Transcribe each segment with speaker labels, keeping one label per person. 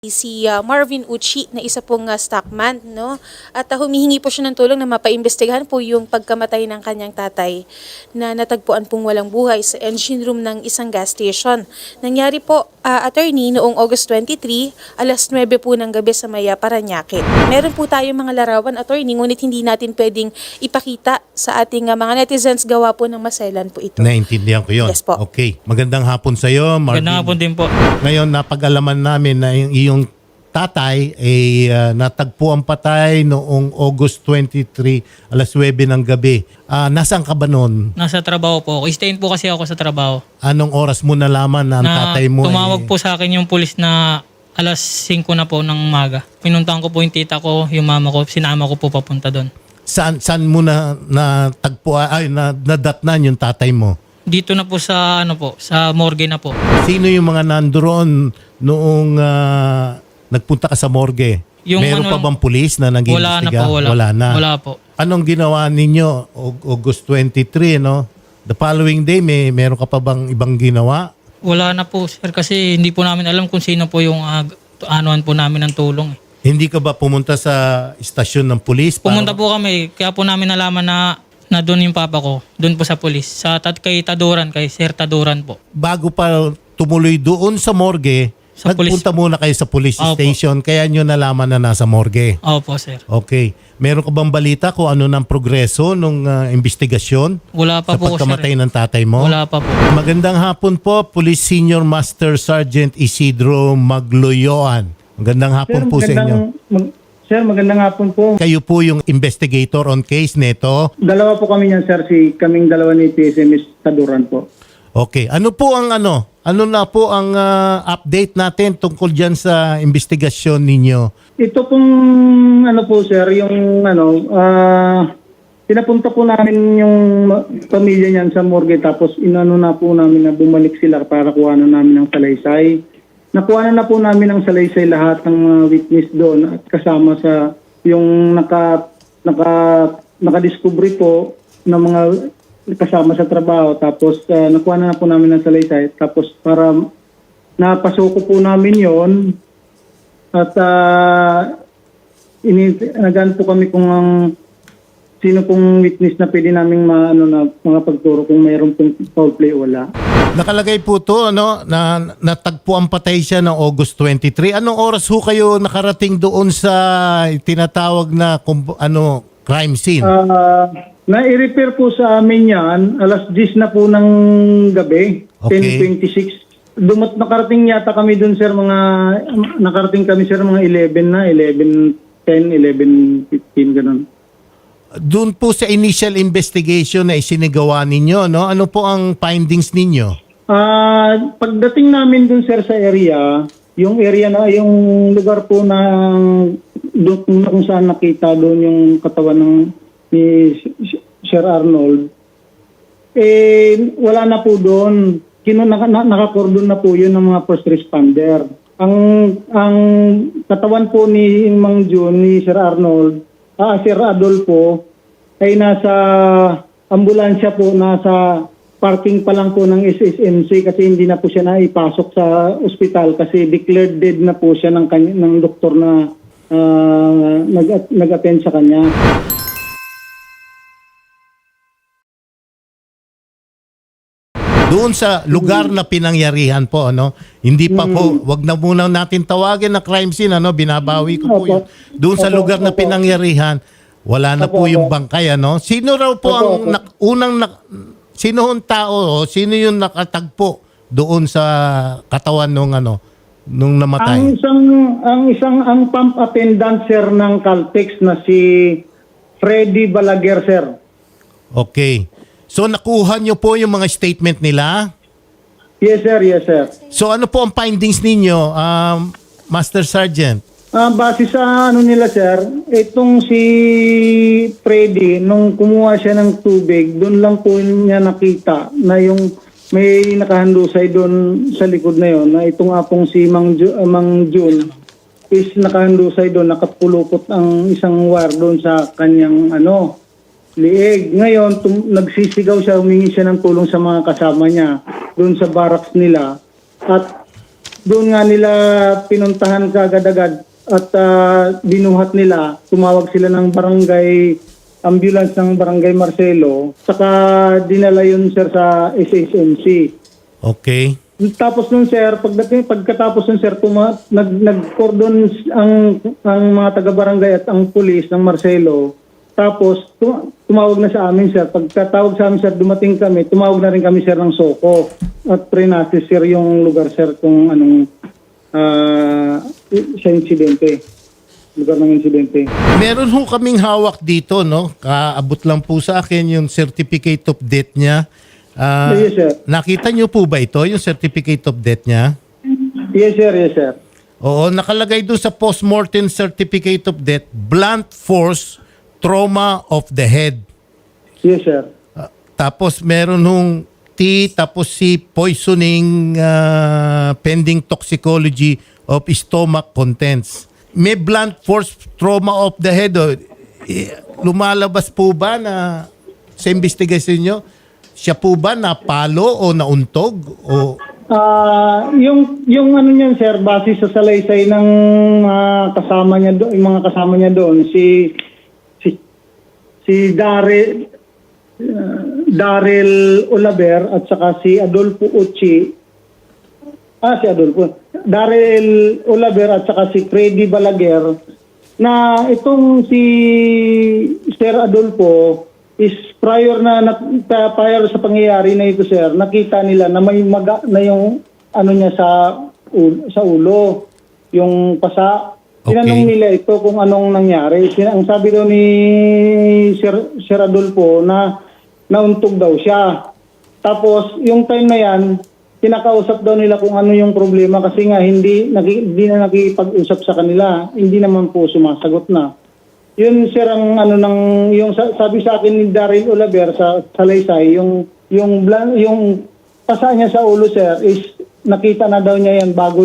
Speaker 1: Si Marvin Uchi na isa pong stockman, no? At humihingi po siya ng tulong na mapaimbestigahan po yung pagkamatay ng kanyang tatay na natagpuan pong walang buhay sa engine room ng isang gas station. Nangyari po, attorney, noong August 23, alas 9 po ng gabi sa Maya, Parañaque. Meron po tayong mga larawan, attorney, ngunit hindi natin pwedeng ipakita sa ating mga netizens, gawa po ng maselan po ito.
Speaker 2: Naintindihan ko yun.
Speaker 1: Yes po.
Speaker 2: Okay. Magandang hapon sa iyo, Marvin.
Speaker 3: Magandang hapon din po.
Speaker 2: Ngayon, napag-alaman namin na yung iyong tatay ay natagpuan patay noong August 23, alas 9 ng gabi. Nasaan ka ba noon?
Speaker 3: Nasa trabaho po ako. Stayin po kasi ako sa trabaho.
Speaker 2: Anong oras mo nalaman na ang tatay mo
Speaker 3: tumawag po sa akin yung pulis na alas 5 na po ng umaga. Pinuntahan ko po yung tita ko, yung mama ko, sinama ko po papunta doon.
Speaker 2: Saan mo na natagpuan, nadatnan yung tatay mo?
Speaker 3: Dito na po sa sa morgue na po.
Speaker 2: Sino yung mga nandoon noong nagpunta ka sa morgue?
Speaker 3: Yung
Speaker 2: Meron pa bang pulis na nag-iimbestiga?
Speaker 3: Wala na po, wala.
Speaker 2: na.
Speaker 3: Wala po.
Speaker 2: Anong ginawa ninyo August 23, no? The following day, meron ka pa bang ibang ginawa?
Speaker 3: Wala na po sir kasi hindi po namin alam kung sino po yung anuan po namin ng tulong.
Speaker 2: Hindi ka ba pumunta sa istasyon ng pulis?
Speaker 3: Pumunta po kami, kaya po namin nalaman na doon yung papa ko, doon po sa pulis. Kay Taduran, kay Sir Taduran po.
Speaker 2: Bago pa tumuloy doon sa morgue,
Speaker 3: Sa
Speaker 2: nagpunta muna kayo sa police
Speaker 3: Opo.
Speaker 2: station, kaya nyo nalaman na nasa morgue.
Speaker 3: Opo sir.
Speaker 2: Okay. Meron ka bang balita kung ano ng progreso nung investigasyon
Speaker 3: Wala pa
Speaker 2: sa
Speaker 3: po
Speaker 2: pagkamatay
Speaker 3: sir.
Speaker 2: ng tatay mo?
Speaker 3: Wala pa po.
Speaker 2: Magandang hapon po, Police Senior Master Sergeant Isidro Magloyoan. Magandang hapon po sa inyo.
Speaker 4: Sir, magandang hapon po.
Speaker 2: Kayo po yung investigator on case nito.
Speaker 4: Dalawa po kami niyan, sir. Kaming dalawa ni PSMS Taduran po.
Speaker 2: Okay. Ano po ang Ano na po ang update natin tungkol dyan sa investigasyon ninyo?
Speaker 4: Ito pong po, sir, yung pinapunta po namin yung pamilya niyan sa morgue tapos inano na po namin na bumalik sila para kuhanan namin ng salaysay. Nakuha na po namin ng salaysay lahat ng mga witness doon at kasama sa yung nakadiscovery po ng mga kasama sa trabaho. Tapos nakuha na po namin ng salaysay. Tapos para napasuko po namin yon at nagaan po kami kung sino pong witness na pwede namin mga pagturo kung mayroon pong foul play o wala.
Speaker 2: Nakalagay po to na natagpuan patay siya ng August 23. Anong oras ho kayo nakarating doon sa tinatawag na crime scene?
Speaker 4: Na-i-repair po sa amin yan, alas 10 na po ng gabi,
Speaker 2: Okay.
Speaker 4: 10:26. Nakarating yata kami doon, sir, nakarating kami, sir, mga 11:10, 11:15, ganun.
Speaker 2: Doon po sa initial investigation na isinigawa ninyo, no? Ano po ang findings ninyo?
Speaker 4: Pagdating namin doon, sir, sa area, yung lugar po na doon kung saan nakita doon yung katawan ni Sir Arnold, wala na po doon. Nakakordon na po yun ng mga first responder. Ang katawan po ni Mang June, ni Sir Arnold, Sir Adolfo, ay nasa ambulansya po, nasa parking pa lang po ng SSMC kasi hindi na po siya naipasok sa ospital kasi declared dead na po siya ng doktor na nag-attend sa kanya.
Speaker 2: Doon sa lugar na pinangyarihan po, hindi pa po, wag na muna natin tawagin na crime scene, binabawi ko po yun. Doon sa lugar na pinangyarihan, wala na po yung bangkay, Sino raw po ang sino yung tao, sino yung nakatagpo doon sa katawan nung namatay?
Speaker 4: Ang pump attendant, sir, ng Caltex na si Freddy Balaguer, sir.
Speaker 2: Okay. So nakuha nyo po yung mga statement nila?
Speaker 4: Yes, sir. Yes, sir.
Speaker 2: So ano po ang findings ninyo, Master Sergeant?
Speaker 4: Base sa nila, sir, itong si Freddy, nung kumuha siya ng tubig, doon lang po niya nakita na yung may nakahandusay doon sa likod na yon, na itong apong si Mang June is nakahandusay doon, nakapulupot ang isang wire doon sa kanyang liig. Ngayon, nagsisigaw siya, humingi siya ng tulong sa mga kasama niya doon sa barracks nila. At doon nga nila pinuntahan kaagad-agad at binuhat nila. Tumawag sila ng barangay ambulance ng barangay Marcelo. Saka dinala yun sir sa SSMC.
Speaker 2: Okay.
Speaker 4: Tapos nun sir, pagkatapos nun sir, nag-cordon ang mga taga-barangay at ang pulis ng Marcelo. Tapos tumawag na sa amin sir. Pagkatawag sa amin sir, dumating kami, tumawag na rin kami sir ng Soko. At pre-nasis sir yung lugar sir kung anong sa insidente. Lugar ng insidente.
Speaker 2: Meron ho kaming hawak dito, no? Kaabot lang po sa akin yung certificate of death niya.
Speaker 4: Yes sir.
Speaker 2: Nakita niyo po ba ito, yung certificate of death niya?
Speaker 4: Yes sir, yes sir.
Speaker 2: Oo, nakalagay doon sa post-mortem certificate of death, blunt force trauma of the head.
Speaker 4: Yes sir.
Speaker 2: Tapos meron nung T, tapos C, poisoning pending toxicology of stomach contents. May blunt force trauma of the head. Lumalabas po ba na sa investigation nyo, siya po ba napalo o nauntog? O
Speaker 4: Yung ano niyan sir, base sa salaysay ng kasama niya doon, yung mga kasama niya doon, si Daryl Olaber at saka si Adolfo Uchi. Daryl Olaber at saka si Freddy Balaguer, na itong si Sir Adolfo is prior sa pangyayari na ito sir, nakita nila na may maga na yung ano niya sa ulo, yung pasa.
Speaker 2: Okay.
Speaker 4: Tinanong nila ito kung anong nangyari. Ang sabi daw ni Sir Adolfo na nauntog daw siya. Tapos yung time na yan, kinakausap daw nila kung ano yung problema kasi nga hindi na nakikipag-usap sa kanila. Hindi naman po sumasagot na. Yun sir ang ano yung sabi sa akin ni Daryl Olaber sa Salaysay, yung pasa niya sa ulo sir is nakita na daw niya yan bago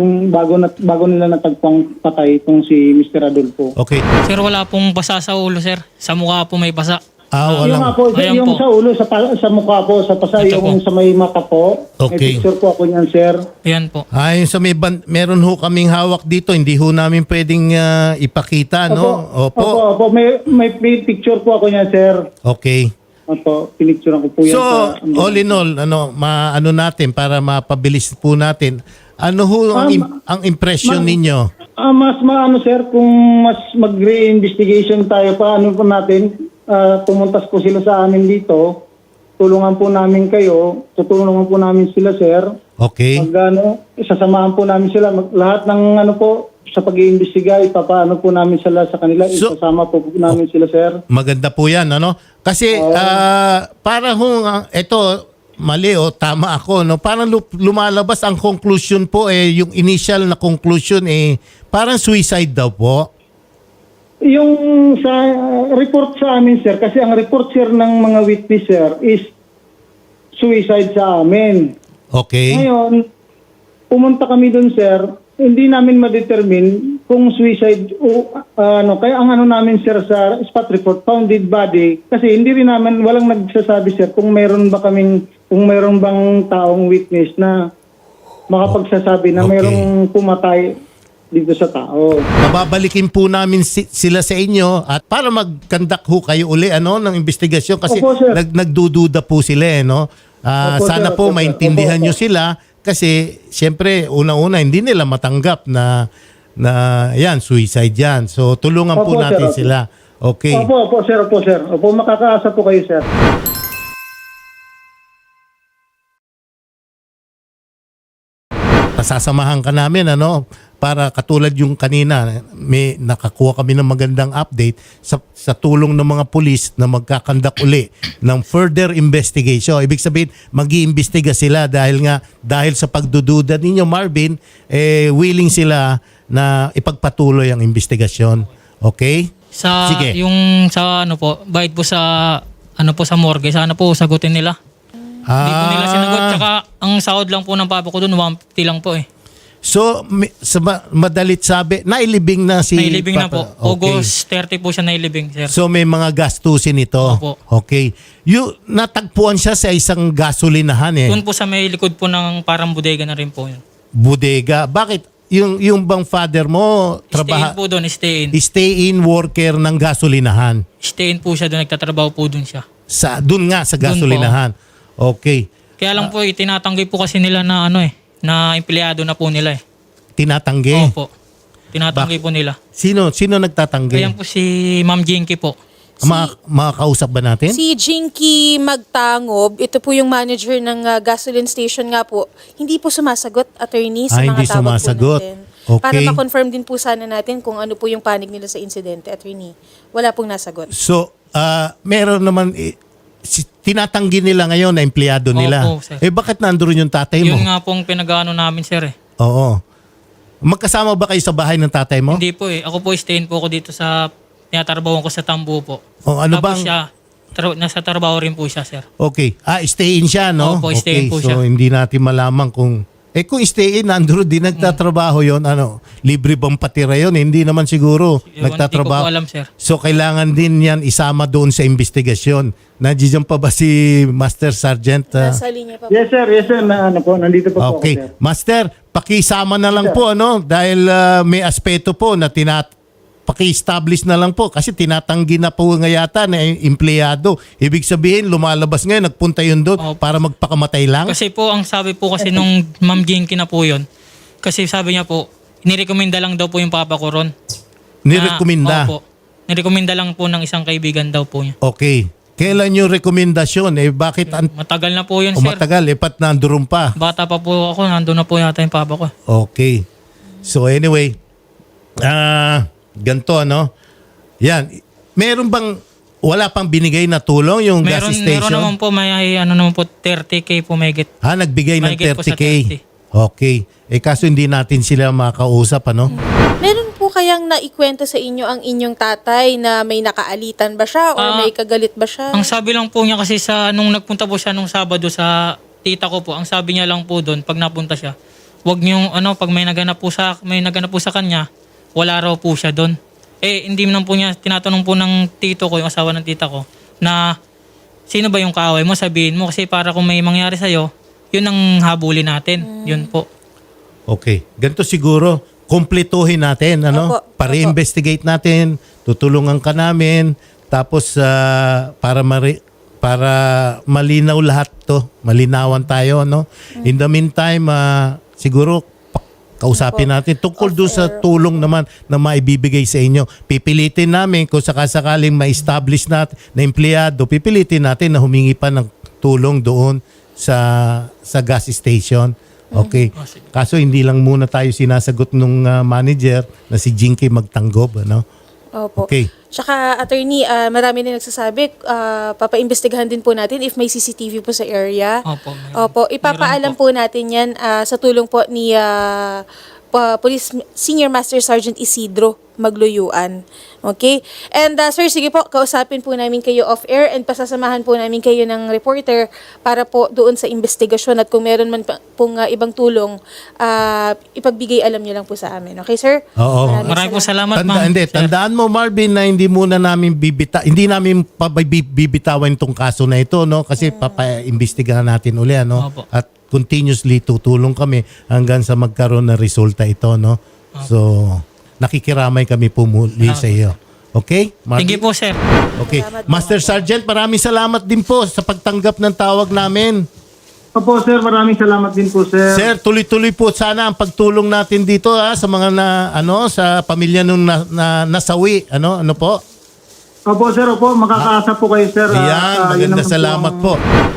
Speaker 4: nila natagpang patay itong si Mr. Adolfo.
Speaker 2: okay.
Speaker 3: Sir, wala pong basa sa ulo, sir. Sa mukha po may basa.
Speaker 4: Yung
Speaker 2: Walang.
Speaker 4: nga po,
Speaker 3: Ayan
Speaker 4: yung
Speaker 3: po.
Speaker 4: sa ulo, sa mukha po, sa pasa,
Speaker 3: Ito
Speaker 4: yung
Speaker 3: po.
Speaker 4: sa may mata po.
Speaker 2: Okay.
Speaker 4: May picture po ako niyan, sir.
Speaker 3: Ayan po.
Speaker 2: Yung sa meron ho kaming hawak dito, hindi ho namin pwedeng ipakita, no?
Speaker 4: Opo. May picture po ako niyan, sir.
Speaker 2: Okay.
Speaker 4: Opo, pinicturean ko po yan.
Speaker 2: So, all in all, maano natin para mapabilis po natin. Ano ho ang impression ninyo?
Speaker 4: Mas maano, sir, kung mas mag-re-investigation tayo pa, ano po natin, pumuntas po sila sa amin dito, tulungan po namin kayo, tutulungan po namin sila, sir.
Speaker 2: Okay.
Speaker 4: Sasamahan po namin sila. Lahat ng sa pag-iimbestiga, ipapaano po namin sila sa kanila.
Speaker 2: So-
Speaker 4: Isasama po namin sila, sir.
Speaker 2: Maganda po yan, ano? Kasi para ito, mali o tama ako, no? Parang lumalabas ang conclusion po, yung initial na conclusion, parang suicide daw po.
Speaker 4: Yung sa report sa amin, sir, kasi ang report, sir, ng mga witness, sir, is suicide sa amin.
Speaker 2: Okay.
Speaker 4: Ngayon, pumunta kami doon, sir, hindi namin ma-determine kung suicide o kaya ang namin, sir, sa spot report, found dead body, kasi hindi rin namin, walang nagsasabi, sir, kung meron bang taong witness na makapagsasabi na
Speaker 2: Okay.
Speaker 4: merong pumatay dito sa tao.
Speaker 2: Mababalikin po namin sila sa inyo at para mag-conduct ho kayo uli ng investigasyon kasi
Speaker 4: Opo, sir.
Speaker 2: nagdududa po sila, no?
Speaker 4: Opo,
Speaker 2: Sana
Speaker 4: sir.
Speaker 2: po
Speaker 4: Opo, sir.
Speaker 2: maintindihan
Speaker 4: Opo,
Speaker 2: nyo sila kasi siyempre una-una hindi nila matanggap na yan, suicide yan. So tulungan po
Speaker 4: Opo,
Speaker 2: natin
Speaker 4: sir.
Speaker 2: sila. Okay.
Speaker 4: Opo, sir. Opo, makakaasa po kayo, sir.
Speaker 2: Pasasamahan ka namin para katulad yung kanina may nakakuha kami ng magandang update sa tulong ng mga pulis na magkakandak uli ng further investigation. Ibig sabihin mag-iimbestiga sila dahil sa pagdududa ninyo, Marvin, willing sila na ipagpatuloy ang investigasyon. Okay? Sige.
Speaker 3: Yung sa bayad po sa sa morgue, sana po sagutin nila. Hindi po nila sinagot. Tsaka ang sahod lang po ng papa ko doon, 150 lang po .
Speaker 2: So, sa madalit sabi, nailibing na si
Speaker 3: Nailibing na po.
Speaker 2: Papa. Okay.
Speaker 3: August 30 po siya nailibing, sir.
Speaker 2: So, may mga gastusin ito.
Speaker 3: Opo.
Speaker 2: Okay. Natagpuan siya sa isang gasolinahan .
Speaker 3: Doon po sa may likod po ng parang bodega na rin po yun.
Speaker 2: bodega. Bakit? Yung bang father mo
Speaker 3: Stay in po doon, stay in.
Speaker 2: stay in worker ng gasolinahan.
Speaker 3: Stay in po siya doon, nagtatrabaho po doon siya.
Speaker 2: Doon nga sa gasolinahan. Okay.
Speaker 3: Kaya lang po, itinatanggi po kasi nila na na empleyado na po nila eh.
Speaker 2: Tinatanggi.
Speaker 3: Opo. Tinatanggi po nila.
Speaker 2: Sino nagtatanggi?
Speaker 3: Kaya po si Ma'am Jinky po.
Speaker 2: Makakausap ba natin?
Speaker 1: Si Jinky Magtangob, ito po yung manager ng gasoline station nga po, hindi po sumasagot, attorney, sa mga
Speaker 2: Hindi
Speaker 1: tawag
Speaker 2: sumasagot.
Speaker 1: po natin.
Speaker 2: Okay.
Speaker 1: Para ma-confirm din po sana natin kung ano po yung panig nila sa insidente, attorney. Wala pong nasagot.
Speaker 2: So, meron naman, tinatanggi nila ngayon na empleyado nila.
Speaker 3: Opo, sir.
Speaker 2: Bakit nandoon yung tatay mo?
Speaker 3: Yun nga pong pinag-ano namin, sir eh.
Speaker 2: Oo. Magkasama ba kayo sa bahay ng tatay mo?
Speaker 3: Hindi po eh. Ako po, stay in po ako dito sa tinatrabawan ko sa Tambo po.
Speaker 2: O, ano
Speaker 3: Tapos
Speaker 2: bang...
Speaker 3: siya, nasa trabaho rin po siya, sir.
Speaker 2: Okay. Stay in siya, no?
Speaker 3: Opo, stay in po
Speaker 2: so
Speaker 3: siya.
Speaker 2: hindi natin malaman kung... kung stay in, nandun din nagtatrabaho yon, libre bang patira yon? Hindi naman siguro nagtatrabaho.
Speaker 3: Hindi ko po alam, sir.
Speaker 2: So kailangan din yan isama doon sa investigasyon. Nandiyan pa ba si Master Sergeant?
Speaker 1: Nasa linya pa po.
Speaker 4: Yes sir, nandito po po ako,
Speaker 2: Okay.
Speaker 4: sir.
Speaker 2: Master, pakisama na lang po, dahil may aspeto po na paki-establish na lang po kasi tinatanggi na po nga yata na empleyado. Ibig sabihin, lumalabas ngayon, nagpunta yun doon
Speaker 3: Opo.
Speaker 2: para magpakamatay lang?
Speaker 3: Kasi po, ang sabi po kasi nung Ma'am Jinky na po yun, kasi sabi niya po, nirekomenda lang daw po yung papa ko ron.
Speaker 2: Nirekomenda?
Speaker 3: Opo. Nirekomenda lang po ng isang kaibigan daw po niya.
Speaker 2: Okay. Kailan yung rekomendasyon? Bakit
Speaker 3: Matagal na po yun, sir.
Speaker 2: matagal? Pat nandoon pa.
Speaker 3: Bata pa po ako, nandun na po yata yung papa ko.
Speaker 2: Okay. So anyway, ganito, yan. Meron bang, wala pang binigay na tulong yung gas station?
Speaker 3: Meron naman po, may naman po, 30K po may get.
Speaker 2: Nagbigay ng
Speaker 3: Mahigit po sa
Speaker 2: 30K.
Speaker 3: 30.
Speaker 2: Okay. Kaso hindi natin sila makausap,
Speaker 1: Meron po kayang naikwento sa inyo ang inyong tatay na may nakaalitan ba siya or may kagalit ba siya?
Speaker 3: Ang sabi lang po niya kasi nung nagpunta po siya nung Sabado sa tita ko po, ang sabi niya lang po doon, pag napunta siya, wag niyong, pag may naganap po sa kanya, wala raw po siya doon. Hindi naman po niya, tinatanong po ng tito ko, yung asawa ng tita ko, na sino ba yung kaaway mo, sabihin mo. Kasi para kung may mangyari sa'yo, yun ang habulin natin. Yun po.
Speaker 2: Okay. Ganito siguro, kumpletuhin natin,
Speaker 1: Opo.
Speaker 2: Para-investigate natin, tutulungan ka namin, tapos para malinaw lahat to, malinawan tayo, In the meantime, siguro, kausapin natin tungkol doon sa tulong naman na maibibigay sa inyo. Pipilitin namin kung sakasakaling ma-establish natin na empleyado, pipilitin natin na humingi pa ng tulong doon sa gas station. Okay. Kaso hindi lang muna tayo sinasagot nung manager na si Jinky Magtangob,
Speaker 1: Opo.
Speaker 2: Okay.
Speaker 1: Tsaka, attorney, marami din nagsasabi, papaimbestigahan din po natin if may CCTV po sa area.
Speaker 3: Opo, meron.
Speaker 1: Opo, ipapaalam po natin yan sa tulong po ni Police Senior Master Sergeant Isidro Magluyuan. Okay? And sir, sige po, kausapin po namin kayo off-air and pasasamahan po namin kayo ng reporter para po doon sa investigasyon at kung meron man pong ibang tulong, ipagbigay alam nyo lang po sa amin. Okay, sir?
Speaker 2: Oo.
Speaker 3: Maraming po salamat, ma'am.
Speaker 2: Tandaan mo, Marvin, na hindi muna namin hindi namin bibitawan itong kaso na ito, kasi papaimbestigahan natin uli,
Speaker 3: Opo.
Speaker 2: At continuously tutulong kami hanggang sa magkaroon ng resulta ito, So, nakikiramay kami po muli sa iyo. Okay? Marvin?
Speaker 3: Thank you po, sir.
Speaker 2: Okay.
Speaker 1: Salamat po.
Speaker 2: Master Sergeant, maraming salamat din po sa pagtanggap ng tawag namin.
Speaker 4: Opo sir, maraming salamat din po sir.
Speaker 2: Sir, tuloy-tuloy po sana ang pagtulong natin dito sa mga sa pamilya nung nasawi. Ano po?
Speaker 4: Opo sir, makakaasa po kayo sir.
Speaker 2: Ayan,
Speaker 4: Yun
Speaker 2: maganda
Speaker 4: naman po
Speaker 2: salamat
Speaker 4: ang-
Speaker 2: po.